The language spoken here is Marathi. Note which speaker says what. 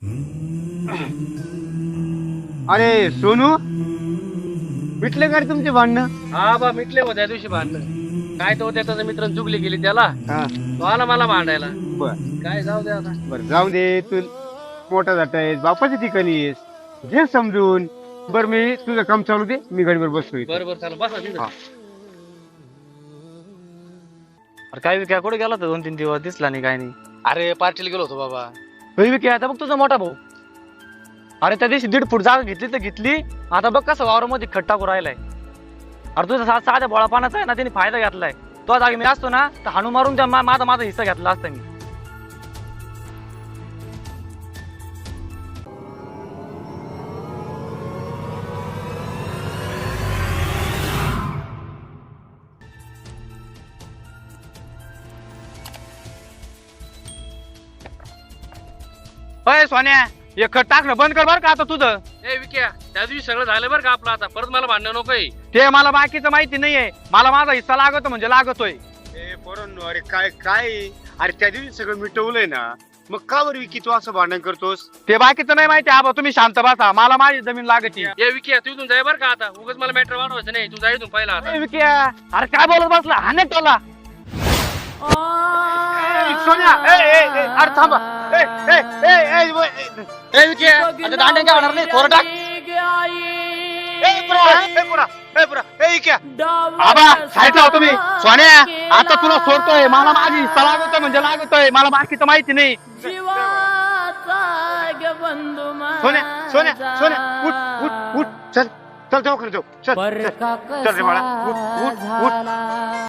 Speaker 1: अरे सोनू, मिटले का रे तुमचे भांडणं?
Speaker 2: हा बा मिटले हो त्या दिवशी भांडणं. काय तो त्याचा मित्र चुकली गेली त्याला,
Speaker 1: हा,
Speaker 2: तो आला मला भांडायला.
Speaker 1: बर
Speaker 2: काय जाऊ दे आता.
Speaker 1: बर, जाऊ दे. तू मोठा जात आहेस, बापाच्या ठिकाणी येस, घे समजून. बर, मी तुझं काम चालू दे, मी गाडीवर बसतो इथे.
Speaker 2: बरोबर चला बसा तिथं.
Speaker 1: हा.
Speaker 3: अरे काय विक्या कुठे गेला होता 2-3 दिवस दिसला नाही काय नाही.
Speaker 2: अरे पार्टीला गेलो होतो बाबा.
Speaker 3: होय विक्या, आता बघ तुझा मोठा भाऊ. अरे त्या दिवशी 1.5 फूट जागा घेतली तर घेतली, आता बघ कसं वावरामध्ये खट टाकू राहिलाय. अरे तुझा साध्या बोळापानाचा आहे ना, त्याने फायदा घेतलाय. तो जागी मी असतो ना तर हाणू मारून त्या माझा हिस्सा घेतला असता मी. अय सोन्या, हे खट टाकणं बंद कर बर का आता तुझं.
Speaker 2: ए विक्या, त्या दिवशी सगळं झालं बरं का आपलं. आता परत मला भांडणं नकोय.
Speaker 3: ते मला बाकीचं माहिती नाहीये, मला माझा हिस्सा लागतो म्हणजे लागतोय.
Speaker 1: ए पोरांनो, अरे काय काय, अरे त्या दिवशी सगळं मिटवलंय ना, मग का बरं विकी तू असं भांडण करतोस?
Speaker 3: ते बाकीचं नाही माहिती. आबा तुम्ही शांत बसा, मला माझी जमीन लागती.
Speaker 2: ए विक्या, तू इथून जाय बरं का आता. उगाच मला मॅटर वाढवायचं नाही. तू जाय इथून पहिला आता.
Speaker 3: ए विक्या, अरे काय बोलत बसला हाने टोला.
Speaker 1: सोन्या, अरे थांबा.
Speaker 3: ए विक्या, आता दांड्या काय होणार नाही, थोडं टाक. आबा साईड लावा तुम्ही. सोन्या, आता तुला सोडतोय, मला माझी हिस्सा लागतोय म्हणजे लागतोय, मला बाकीचं माहिती नाही.
Speaker 1: सोन्या सोन्या सोन्या, उठ उठ उठ, चल चल, दवाखान्यात जाऊ. चल चल चल रे बाळा, उठ उठ उठ.